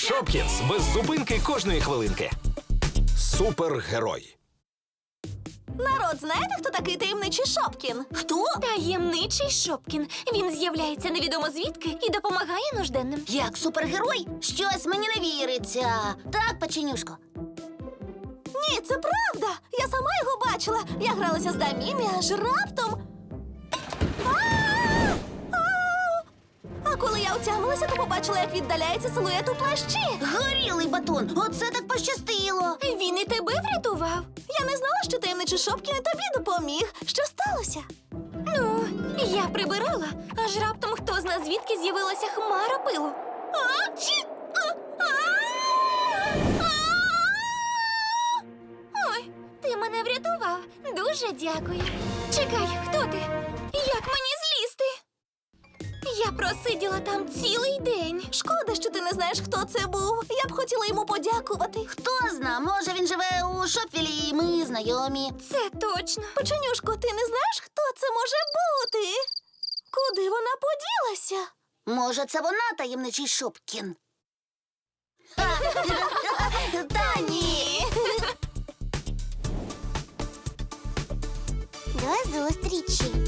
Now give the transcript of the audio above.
Шопкінс. Без зупинки кожної хвилинки. Супергерой. Народ, знаєте, хто такий таємничий Шопкін? Хто? Таємничий Шопкін. Він з'являється невідомо звідки і допомагає нужденним. Як супергерой? Щось мені не віриться. Так, печенюшко? Ні, це правда. Я сама його бачила. Я гралася з Дамімі, аж раптом. А коли я отямилася, то побачила, як віддаляється силует у плащі. Горілий батон, оце так пощастило. Він і тебе врятував. Я не знала, що таємничий Шопкін і тобі допоміг. Що сталося? Ну, я прибирала, аж раптом хто зна звідки з'явилася хмара пилу. Ой, ти мене врятував. Дуже дякую. Чекай, хто ти? Як мені злізти? Я просиділа там цілий день. Шкода, що ти не знаєш, хто це був. Я б хотіла йому подякувати. Хто зна, може він живе у Шопвілі, і ми знайомі. Це точно. Печенюшко, ти не знаєш, хто це може бути? Куди вона поділася? Може, це вона таємничий Шопкін? Та ні. До зустрічі!